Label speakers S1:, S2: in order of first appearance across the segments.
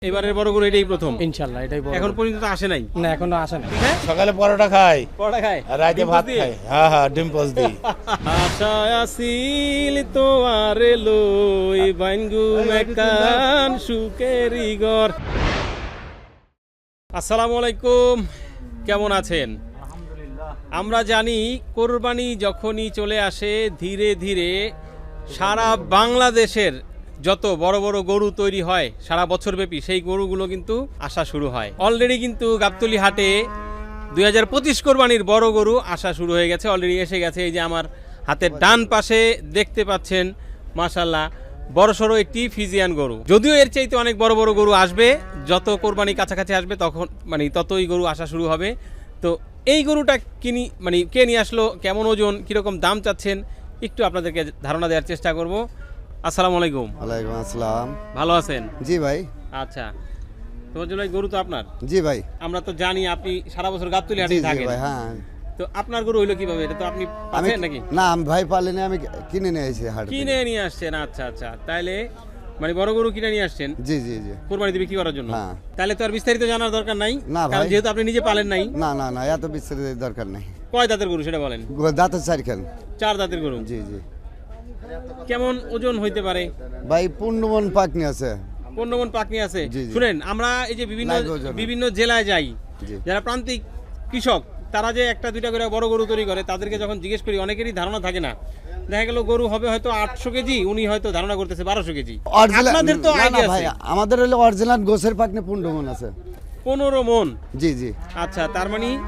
S1: এবারের বড় গরু এটাই প্রথম
S2: ইনশাআল্লাহ এটাই বড়।
S1: এখন পর্যন্ত আসে নাই
S2: না এখনো আসে না।
S3: সকালে পরোটা খাই
S1: পরোটা খায়
S3: আর রাতে ভাত খাই। হ্যাঁ হ্যাঁ ডিম পোচ দিই।
S1: আশা আসিল তোয়ারে লই বাইনগু মেকান সুকেরি ঘর। আসসালামু আলাইকুম, কেমন আছেন? আমরা জানি কোরবানি যখনই চলে আসে ধীরে ধীরে সারা বাংলাদেশের যত বড় বড় গরু তৈরি হয় সারা বছরব্যাপী সেই গরুগুলো কিন্তু আসা শুরু হয়। অলরেডি কিন্তু গাবতলী হাটে 2025 কোরবানির বড় গরু আসা শুরু হয়ে গেছে, অলরেডি এসে গেছে। এই যে আমার হাতের ডান পাশে দেখতে পাচ্ছেন মাশাআল্লাহ বড়সড় একটি ফিজিয়ান গরু। যদিও এর চাইতে অনেক বড় বড় গরু আসবে, যত কোরবানি কাছাকাছি আসবে তখন ততই গরু আসা শুরু হবে। তো এই গরুটা কে নিয়ে আসলো, কেমন ওজন, কিরকম দাম চাচ্ছেন, একটু আপনাদেরকে ধারণা দেওয়ার চেষ্টা করব। আসসালামু আলাইকুম।
S4: ওয়ালাইকুম আসসালাম।
S1: ভালো আছেন?
S4: জি ভাই।
S1: আচ্ছা, তোমার জন্য গরু তো আপনার?
S4: জি ভাই।
S1: আমরা তো জানি আপনি সারা বছর গাবতলী
S4: জি
S1: হাটে
S4: জি
S1: থাকেন।
S4: ভাই। হ্যাঁ,
S1: তো আপনার গরু হইলো কিভাবে? এটা তো আপনি
S4: আমি
S1: পাচ্ছেন নাকি?
S4: না, আমি ভাই পালিনি, আমি কিনে নিয়ে এসেছি হাট থেকে।
S1: কিনে নিয়ে আসছেন? আচ্ছা আচ্ছা, তাইলে বড় গরু কিনে নিয়ে আসছেন
S4: জি জি জি।
S1: কোরবানিতে বিক্রি করার জন্য?
S4: হ্যাঁ।
S1: তাহলে তো আর বিস্তারিত জানার দরকার নাই,
S4: না
S1: কারণ
S4: ভাই।
S1: যেহেতু আপনি নিজে পালেন নাই।
S4: না না না, এত বিস্তারিত দরকার নেই।
S1: কয় দাঁতের গরু সেটা বলেন?
S4: দাঁতের চারখান।
S1: 4 দাঁতের গরু।
S4: জি জি।
S1: কেমন ওজন হইতে পারে?
S4: ভাই 15 মণ পাকনি আছে।
S1: 15 মণ পাকনি আছে।
S4: জি, জি।
S1: শুনেন, আমরা এই যে
S4: লাইভ ওজন।
S1: বিভিন্ন জেলায় যাই,
S4: জি।
S1: যারা প্রান্তিক কৃষক তারা যে একটা দুইটা করে বড় গরু তৈরি করে, তাদেরকে যখন জিজ্ঞেস করি অনেকেরই ধারণা থাকে না। দেখা গেল গরু হবে হয়তো 800 কেজি, উনি হয়তো ধারণা করতেছে 1200 কেজি। আপনাদের তো
S4: না না
S1: আইডিয়া
S4: ভাই,
S1: আছে।
S4: আমাদের হলো অরিজিনাল গোছের পাকনি 15 মণ আছে।
S1: 15 মণ?
S4: জি জি।
S1: আচ্ছা, তার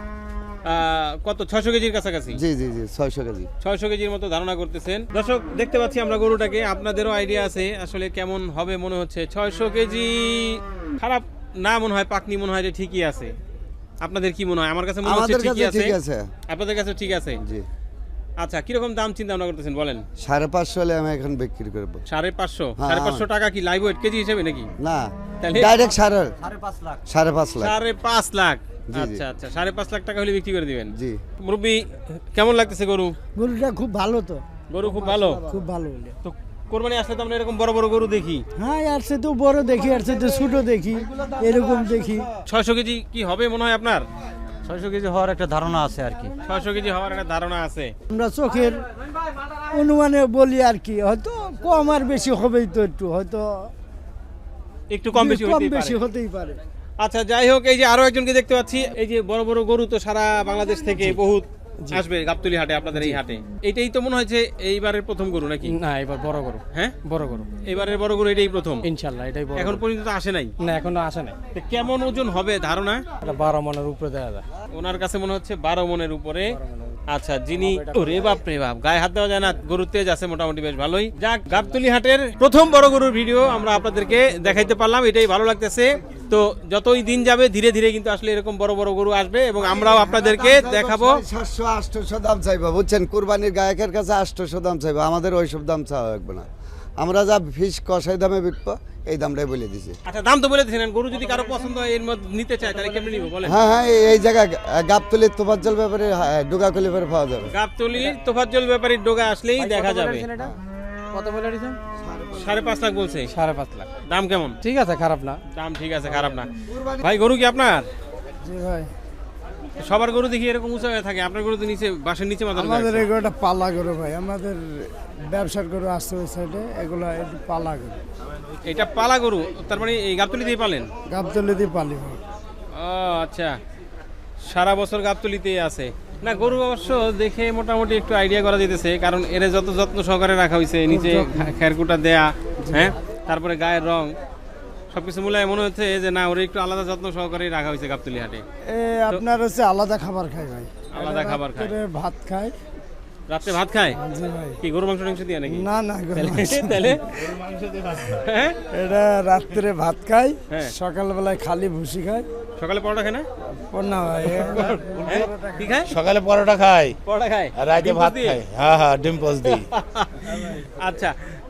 S1: কত, 600 কেজির কাছাকাছি?
S4: জি জি জি, 600 কেজি।
S1: 600 কেজির মতো ধারণা করতেছেন। দর্শক দেখতে পাচ্ছি আমরা গরুটাকে, আপনাদেরও আইডিয়া আছে আসলে কেমন হবে মনে হচ্ছে। 600 কেজি খারাপ না মনে হয়, পাকনি মনে হয় যে ঠিকই আছে। আপনাদের কি মনে হয়? আমার কাছে মনে হচ্ছে
S4: আমাদের
S1: ঠিকই
S4: কাছে
S1: আছে।
S4: ঠিক আছে।
S1: আপনাদের কাছে ঠিক আছে?
S4: জি।
S1: আচ্ছা, কিরকম দাম চিন্তা ভাবনা করতেছেন বলেন?
S4: 550 হলে আমি এখন বিক্রি করব।
S1: 550?
S4: হ্যাঁ।
S1: 550 টাকা কি লাইভ ওয়েট কেজি হিসেবে নাকি?
S4: না,
S1: তাহলে?
S4: ডাইরেক্ট 5.5 লাখ।
S1: 5.5 লাখ?
S4: জি, জি।
S1: আচ্ছা আচ্ছা, 5.5 লাখ টাকা হলে বিক্রি করে দিবেন?
S4: জি।
S1: মুরব্বি, কেমন লাগতেছে গরু?
S2: গরুটা খুব ভালো তো,
S1: গরু খুব ভালো।
S2: খুব ভালো হলে।
S1: তো কোরবানি আসলে তো আমরা এরকম বড় বড় গরু দেখি।
S2: হ্যাঁ, আর সে তো বড় দেখি, আর সে তো ছোট দেখি, এরকম দেখি।
S1: 600 কেজি কি হবে মনে হয় আপনার?
S5: 600 কেজি হওয়ার একটা ধারণা আছে আর কি।
S1: 600 কেজি হওয়ার একটা ধারণা আছে।
S2: আমরা চোখের অনুমানে বলি আর কি, হয়তো কম আর বেশি হবেই তো, একটু হয়তো
S1: একটু কম বেশি
S2: কম
S1: হতেই
S2: বেশি
S1: পারে।
S2: হতেই পারে।
S1: আচ্ছা, যাই হোক, এই যে আরো একজনকে দেখতে পাচ্ছি। এই যে বড় বড় গরু তো সারা বাংলাদেশ থেকে বহুত আসবে গাবতলী হাটে, আপনাদের এই হাটে। এটাই তো মনে হচ্ছে এইবারের প্রথম গরু নাকি?
S2: না, এবার বড় গরু।
S1: হ্যাঁ,
S2: বড় গরু
S1: এবারের বড় গরু এটাই প্রথম।
S2: ইনশাআল্লাহ এটাই বড়।
S1: এখন পর্যন্ত তো আসে নাই।
S2: না এখনো আসে নাই।
S1: তো কেমন ওজন হবে ধারণা?
S2: এটা 12 মনের উপরে দেওয়া যায়।
S1: ওনার কাছে মনে হচ্ছে 12 মনের উপরে। আচ্ছা, যিনি ওরে বাপ রে বাপ, গায়ে হাত দেওয়া যায় না, গরুর তেজ আছে মোটামুটি বেশ ভালোই। যাক, গাবতলী হাটের প্রথম বড় গরুর ভিডিও আমরা আপনাদেরকে দেখাইতে পারলাম, এটাই ভালো লাগতেছে। তো যতই দিন যাবে ধীরে ধীরে কিন্তু আসলে এরকম বড় বড় গরু আসবে এবং আমরাও আপনাদেরকে দেখাবো।
S4: 700-800 দাম চাইবো, বুঝছেন? কুরবানির গায়কের কাছে 800 দাম চাইবো, আমাদের ওইসব দাম চাওয়া লাগবে না। আমরা যা ফিস কষাই দামে বিকবো এই দামটাই বলে দিছি।
S1: আচ্ছা, দাম তো বলে দিয়েছেন। গরু যদি কারো পছন্দ হয় এর মধ্যে নিতে চায় তাহলে কেমনে নিব বলেন?
S4: হ্যাঁ হ্যাঁ, এই জায়গায় গাবতলির তোফাজ্জল ব্যাপারে ডোগাকলি ব্যাপারে পাওয়া যাবে।
S1: গাবতলীর তোফাজ্জল ব্যাপারীর ডোগা আসলেই দেখা যাবে।
S2: কত বলে দিয়েছেন?
S1: 5.5 লাখ বলছে।
S2: 5.5 লাখ।
S1: দাম কেমন?
S2: ঠিক আছে, খারাপ না।
S1: দাম ঠিক আছে, খারাপ না। ভাই, গরু কি আপনার?
S2: জি ভাই।
S1: সবার গরু দেখি এরকম উঁচা হয়ে থাকে, আপনার গরু তো নিচে, বাসের নিচে মাথা ঢোকা
S6: আমাদের
S1: আছে।
S6: এগুলোটা পালা গরু ভাই, আমাদের ব্যবসার গরু আসছে ওই সাইডে, এগুলো একটু পালা গরু,
S1: এটা পালা গরু, তার মানে এই গাবতলীতেই পালেন?
S6: গাবতলি দিয়ে পালি ভাই।
S1: ও আচ্ছা, সারা বছর গাবতলীতেই আছে। না, গরু অবশ্য দেখে মোটামুটি একটু আইডিয়া করা যেতেছে, কারণ এর যত যত্ন সহকারে রাখা হয়েছে, নিচে খেরকুটা দেয়া, হ্যাঁ, তারপরে গায়ের রং সবকিছু মূলায় মনে হচ্ছে যে না, ওরা একটু আলাদা যত্ন সহকারে রাখা হয়েছে গাবতলী হাটে।
S6: আপনার হচ্ছে আলাদা খাবার খায় ভাই,
S1: আলাদা খাবার খায়।
S6: রাত্রে ভাত খায়।
S1: রাত্রে ভাত খায়?
S6: জি ভাই।
S1: কি গরু মাংস টাংস দিয়ে নাকি?
S6: না না গরু মাংস।
S1: তাহলে হ্যাঁ,
S6: এটা রাত্রে ভাত খায়,
S1: হ্যাঁ।
S6: সকালবেলায় খালি ভুসি খায়।
S1: সকালে পরোটা খায় না?
S6: না ভাই,
S1: হ্যাঁ? কি খায়?
S3: সকালে পরোটা খাই
S1: পরোটা খায়
S3: আর রাতে
S1: ডিম
S3: ভাত
S1: পোচ দিয়ে?
S3: খাই। হ্যাঁ হ্যাঁ ডিম পোচ দিই।
S1: আচ্ছা,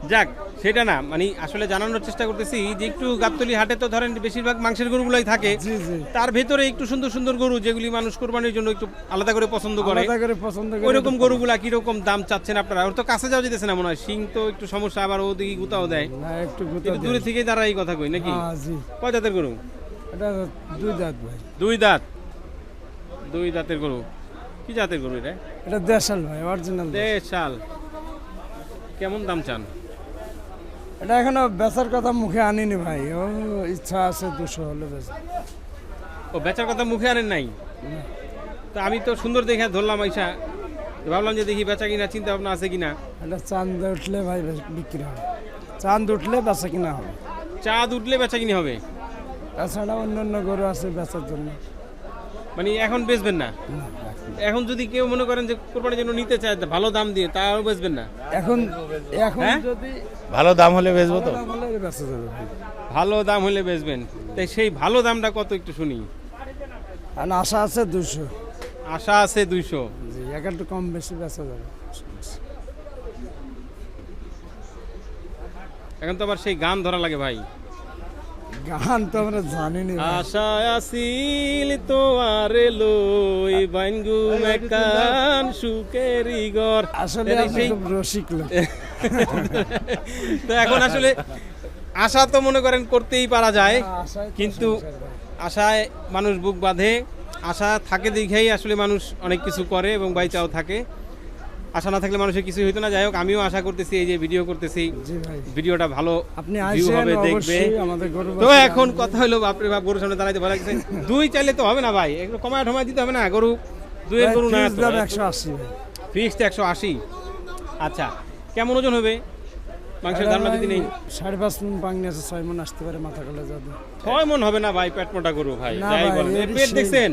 S1: যাক সেটা না, মানে আসলে জানানোর চেষ্টা করতেছি যে একটু গাবতলী হাটে তো ধরেন বেশিরভাগ মাংসের গরুগুলাই থাকে,
S6: জি জি
S1: তার ভেতরে একটু সুন্দর সুন্দর গরু যেগুলি মানুষ কোরবানির জন্য একটু আলাদা করে পছন্দ করে,
S6: আলাদা করে পছন্দ করে
S1: ওইরকম গরুগুলা কিরকম দাম চাচ্ছেন আপনারা? ওর তো কাছে যাওয়া যেতেছে না মনে হয়, শিং তো একটু সমস্যা, আবার ওদিকে গুতাও দেয়,
S6: না একটু গুতা
S1: একটু দূরে থেকে তারা এই কথা কই নাকি?
S6: হ্যাঁ জি
S1: কয় জাতের গরু?
S6: এটা 2 দাঁত ভাই।
S1: দুই দাঁত, দুই দাঁতের গরু। কি জাতের গরু এটা?
S6: এটা দেশাল ভাই, অরিজিনাল।
S1: দেশাল। কেমন দাম চান?
S6: এটা এখনো বেচার কথা মুখে আনিনি ভাই, ও ইচ্ছা আছে 200 হলে বেচ।
S1: ও বেচার কথা মুখে আনেন নাই? তা আমি তো সুন্দর দেখে ধরলাম আইসা, ভাবলাম যে দেখি বেচা কিনা চিন্তা ভাবনা আছে কিনা।
S6: এটা চাঁদ উঠলে ভাই বিক্রি হবে, চাঁদ উঠলে বেচা কিনা হবে,
S1: চাঁদ উঠলে বেচা কিনি হবে।
S6: তাছাড়া অন্যান্য গরু আছে বেচার জন্য।
S1: মানে এখন বেচবেন না? এখন যদি কেউ মনে করেন যে কোরবানির জন্য নিতে চায় ভালো দাম দিয়ে, তাও বেচবেন না?
S6: এখন এখন
S1: হ্যাঁ?
S6: যদি
S3: ভালো দাম হলে বেচবো তো।
S6: দাম হলে বেচা যাবে ভাই।
S1: ভালো দাম হলে বেচবেন, তাই সেই ভালো দামটা কত একটু শুনি।
S6: আর আশা আছে 200,
S1: আশা আছে 200।
S6: জি একটু কম বেশি বেচা যাবে।
S1: এখন তো আবার সেই গান ধরা লাগে ভাই।
S6: গান তো আমরা জানি না ভাই।
S1: আশা আসিল তোমারে লই বাইনগু মেকান সুকেরি ঘর।
S6: আসলে
S1: এটা
S6: আপনি
S1: সেই-
S6: খুব রসিক লোক।
S1: তো এখন আসলে আশা তো মনে করেন করতেই পারা যায়,
S6: আশায় তো
S1: কিন্তু
S6: সংসার ভাই।
S1: আশায় মানুষ বুক বাঁধে, আশা থাকে দেখেই আসলে মানুষ অনেক কিছু করে এবং বাইচাও থাকে। আশা না থাকলে মানুষের কিছুই হইতো না। যাই হোক, আমিও আশা করতেছি এই যে ভিডিও করতেছি,
S6: জি ভাই,
S1: ভিডিওটা ভালো
S6: আপনি
S1: ভিউ
S6: আসেন
S1: হবে, দেখবে।
S6: অবশ্যই আমাদের গরু
S1: তো
S6: বাছুর
S1: এখন
S6: আনবেন।
S1: কথা হলো, বাপরে বাপ, গরুর সামনে দাঁড়াইতে ভালো লাগছে। দুই চাইলে তো হবে না ভাই, একটু কমায় ঠমায় দিতে হবে না? গরু দুইয়ের
S6: ভাই,
S1: গরু না
S6: ফিক্স দাম 180 ভাই।
S1: ফিক্সড 180। আচ্ছা, কেমন ওজন হবে মাংসের ধারণা যদি নেই?
S6: 5.5 মণ পাংনি আছে, 6 মণ আসতে পারে মাথা কালে যাবে।
S1: 6 মণ হবে না ভাই, পেট মোটা গরু ভাই।
S6: না
S1: যাই
S6: ভাই,
S1: বলেন, এর
S6: এরই
S1: পেট
S6: সেই-
S1: দেখছেন?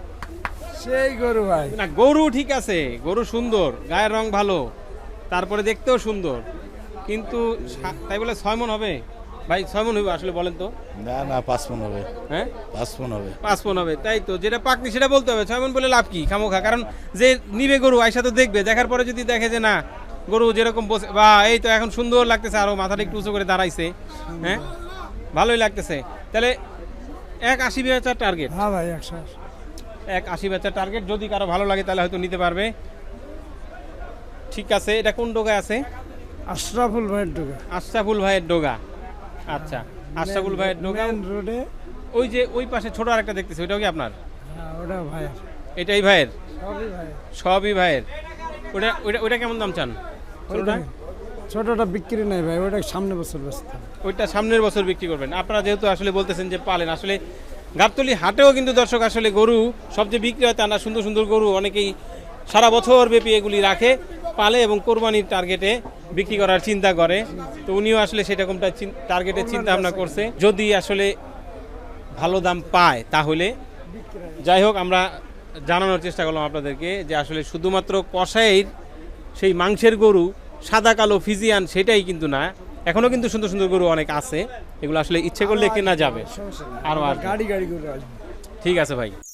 S6: সেই গরু ভাই।
S1: না, গরু ঠিক আছে, গরু সুন্দর, গায়ের রং ভালো, তারপরে দেখতেও সুন্দর, কিন্তু তাই বলে 6 মণ হবে ভাই? 6 মণ হবে আসলে বলেন তো?
S3: না না 5 মণ হবে,
S1: হ্যাঁ
S3: 5 মণ হবে।
S1: 5 মণ হবে, তাই তো। যেটা পাকনি সেটা বলতে হবে। 6 মণ বলে লাভ কি খামোখা? কারণ যে নিবে গরু আইসা তো দেখবে, দেখার পরে যদি দেখে যে না গরু যেরকম বসে, বা এই তো এখন সুন্দর লাগতেছে, আরো মাথাটা একটু উঁচু করে দাঁড়াইছে, হ্যাঁ ভালোই লাগতেছে, তাহলে 180 বেচার টার্গেট।
S6: হ্যাঁ ভাই 180।
S1: 180 বেচার টার্গেট, যদি কারো ভালো লাগে তাহলে হয়তো নিতে পারবে। ঠিক আছে, এটা কোন ডোগায় আছে?
S6: আশরাফুল ভাইয়ের ডোগা,
S1: আশরাফুল ভাইয়ের ডোগা। আচ্ছা, আশরাফুল ভাইয়ের ডোগা।
S6: মেন রোডে।
S1: ওই যে ওই পাশে ছোট আরেকটা দেখতেছি, ওইটাও কি আপনার?
S6: হ্যাঁ ওটা ভাইয়ের,
S1: এটাই ভাইয়ের?
S6: সবই ভাই।
S1: সবই ভাইয়ের। ওটা ওইটা ওইটা কেমন দাম চান? ছোটটা?
S6: ছোটটা বিক্রি নাই ভাই, ওটা সামনে বছর বেচতে হবে।
S1: ওইটা সামনের বছর বিক্রি করবেন। আপনারা যেহেতু আসলে বলতেছেন যে পালেন, আসলে গাবতলী হাটেও কিন্তু দর্শক আসলে গরু সবচেয়ে বিক্রি হয় তা না, সুন্দর সুন্দর গরু অনেকেই সারা বছর ব্যাপী এগুলি রাখে, পালে এবং কোরবানির টার্গেটে বিক্রি করার চিন্তা করে। তো উনিও আসলে সেরকমটা টার্গেটে চিন্তা ভাবনা করছে, যদি আসলে ভালো দাম পায় তাহলে। যাই হোক, আমরা জানানোর চেষ্টা করলাম আপনাদেরকে যে আসলে শুধুমাত্র কষাইয়ের সেই মাংসের গরু সাদা কালো ফিজিয়ান সেটাই কিন্তু না, এখনো কিন্তু সুন্দর সুন্দর গরু অনেক আছে, এগুলো আসলে ইচ্ছে করলে কেনা যাবে।
S6: সমস্যা নেই।
S1: আরো আসবে।
S6: গাড়ি গাড়ি করে আসবে।
S1: ঠিক আছে ভাই।